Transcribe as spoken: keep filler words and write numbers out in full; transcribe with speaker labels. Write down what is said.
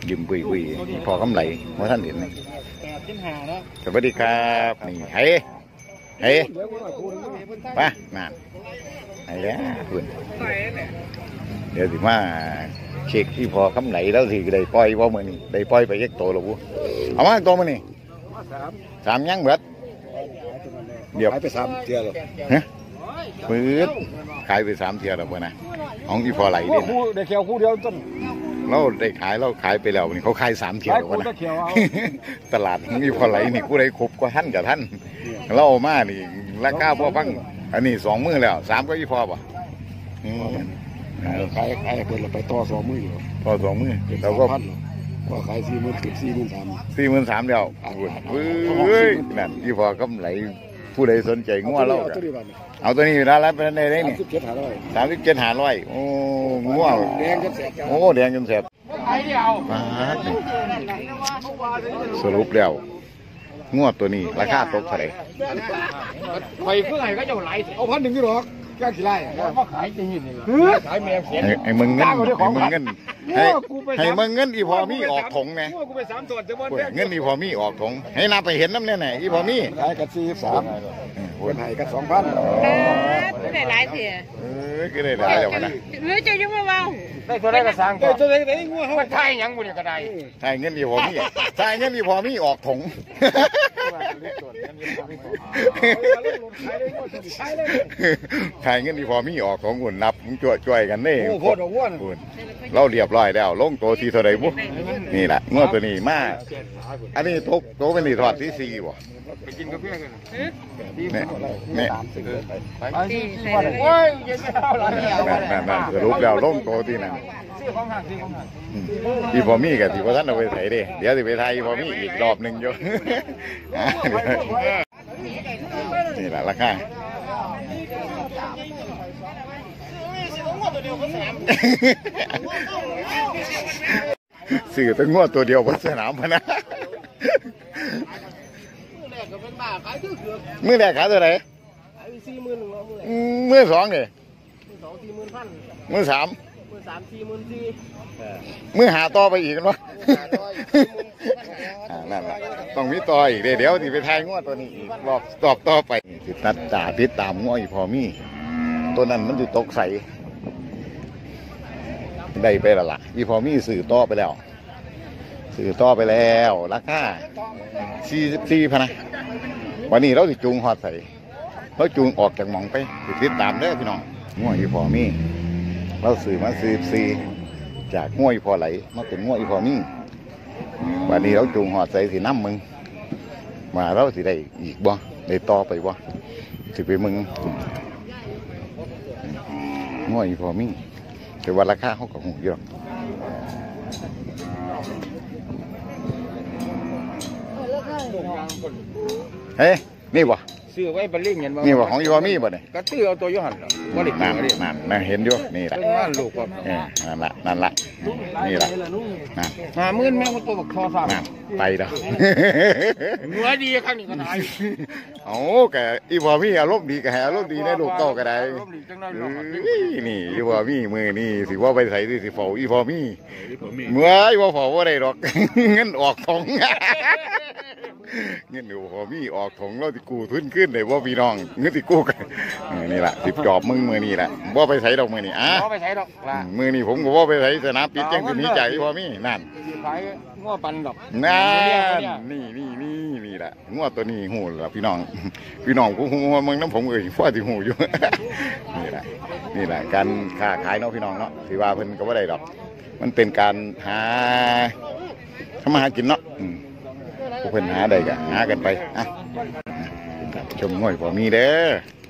Speaker 1: ยิ้มบุยบุยพอกำไรมาท่านเห็นสวัสดีครับนี่เฮ้เฮ้ไปงานไอ้แล้วคุณเดี๋ยวสิมาเช็คที่พอกำไรแล้วสิได้ปล่อยว่ามือนี่ได้ปล่อยไปยักโตหรือปุ๊เอามาตัวมือนี่สามยังเบิดเดี๋ยว
Speaker 2: ไปสามเทียร์
Speaker 1: ฮะปื๊ดขายไปสามเทียร์แล้วเพื่อนนะของอีพอไหลเด่น
Speaker 2: ได้เขียวคู่เดียวต้น
Speaker 1: เราได้ขายเราขายไปแล้วนี่เขาขายสามเทียร์แล้วนะตลาดของอีพอไหลนี่กูได้ครบกว่าท่านกับท่านเราเอามานี่ราคาพอฟังอันนี้สองมือแล้วสามก็อีพอป่ะ
Speaker 2: ขายขายเปิดเราไปต่อสองมืออยู่
Speaker 1: ต่อสองมือเราก็
Speaker 2: ก็ขายสี่หมื่นสิบสี่หมื่นสาม
Speaker 1: สี่หมื่นสามเดียวเฮ้ยนั่นอีพอกำไรผู้ใดสนใจงัวเราเอาตัวนี้อยู่แล้วแล้วเป็นได้นี่สามสิบเจ็ดหาร้อยโอ้งัว
Speaker 2: แดงจนแสบ
Speaker 1: โอ้แดงจนแสบสรุปแล้วงัวตัวนี้ราคาตกเท่าไหร่
Speaker 2: ไปเพื่อไงก็จะไหลเอาพันหนึ่งที่หรอกแก้ขี้ไล่มาขายจริงนี่ขายแมวเสีย
Speaker 1: ไอ้มึงเงินไอ้มึงเงินให้ให้มึงเงินอีพอมีออกถงไงเงินอีพอมีออกถงให้นับไปเห็นน้ำเนี่ยไหนอีพอมี
Speaker 2: ขายกันสี่สามคนให้กันสองพัน
Speaker 3: ไม่ได้หลายเสีย
Speaker 1: เออก็ได้หลายแล้วนะ
Speaker 3: หรือจะยังไม่เบา
Speaker 2: ได้ตัวได้กระสังได้ตัวได้ได้งัวเขาไทยยังบุญกระได
Speaker 1: ไทยเงินอีพอมีไทยเงินอีพอมีออกถงไทยเงินอีพอมีออกของหุ่นนับจ่วยจ่วยกันนี่เราเรียบร้อยแล้วลงโตทีเท่าไรบุ๊นี่แหละงวดตัวนี้มาอันนี้โตโตเป็นนี่ทอดที่สี่บ่
Speaker 2: ไปกินกาแฟกัน
Speaker 1: เนี่ยเนี่ย
Speaker 2: โอ้ยเย็นไม่เอาหรอก
Speaker 1: นั่นนั่นสรุปแล้วลงโตที่นั่นอีพอมีกับที่พ่อท่านเอาไปใส่ดิเดี๋ยวจะไปไทยอีพอมีอีกรอบหนึ่งอยู่นี่แหละราคาสื่อตั้งงวดตัวเดียวบนสนามพนะมือแรกขายตัวไหนมือสองเนี่ยมือสามมือหาต่อไปอีกกันวะนั่นแหละต้องมีต่ออีกเดี๋ยวที่ไปทายงวดตัวนี้อีกรอบตอบต่อไปติดตัดจ่าติดตามงวดอีพอมีตัวนั้นมันจะตกใสได้ไปแล้วล่ะอีพอมีสื่อต่อไปแล้วสื่อต่อไปแล้วราคาสี่สิบสี่พนะวันนี้เราติดจูงหอดใส่เราจูงออกจากหมองไปติดตามได้พี่น้องงวดอีพอมีเราสื่อมาสี่สิบสี่จากงวดอีพอไหลมาเป็นงวดอีพอมีวันนี้เราจูงหอดใส่สีน้ำมึงมาเราสิได้อีกบ่ได้ต่อไปบ่สิไปมึงงวดอีพอมีแต่ว่าราคาเขาก็หูเยอะเฮ้ยนี่บ่
Speaker 2: ซื้อไว้บรรลิ่งเห็นบ่
Speaker 1: นี่บ่ของอีพอมีบ่เนี่ย
Speaker 2: ก็ตื้อเอาตัวยุหันบ่ได้
Speaker 1: นั่นนั่นนั่นเห็นอยู่นี่แหละ
Speaker 2: ลูกก็
Speaker 1: นั่นละนั่นละนี่ละนั่น
Speaker 2: มามื่นแม่ก็ตัวบักทอสาม
Speaker 1: นั่นไปแล้ว
Speaker 2: เนื้อดีครั้งนี้ก็ได้
Speaker 1: โอ้แกอีพอมีอารมณ์ดีแกอารมณ์ดีในลูกเต้าก็ได้นี่อีพอมีมือนี่สิว่าไปใส่สิเฝ้าอีพอมีเมื่ออีพอเฝ้าว่าได้หรอกเงินออกทองเงินอยู่พอมีออกของเราที่กูทุนขึ้นเลยว่าพี่น้องเงินที่กูกันนี่แหละสิบจอบมึงมือนี่แหละว่าไปใส่ดอกมือนี่อ่ะ
Speaker 2: ว่าไปใส่ดอก
Speaker 1: มือนี่ผมก็ว่าไปใส่สนามปิดแจ้งตัวนี้ใจพอมีนั่น
Speaker 2: ขายง้อปันดอก
Speaker 1: นั่นนี่นี่นี่นี่แหละง้อตัวนี้หูละพี่น้องพี่น้องกูหูมึงน้ำผมเอ่ยฟ้าที่หูอยู่นี่แหละนี่แหละการค้าขายเนาะพี่น้องเนาะถือว่าเพิ่นก็ว่าได้ดอกมันเป็นการหาทำมาหากินเนาะเพิ่นหาได้ก็หากันไปอ่ะชมง่อยพอมีเด้อ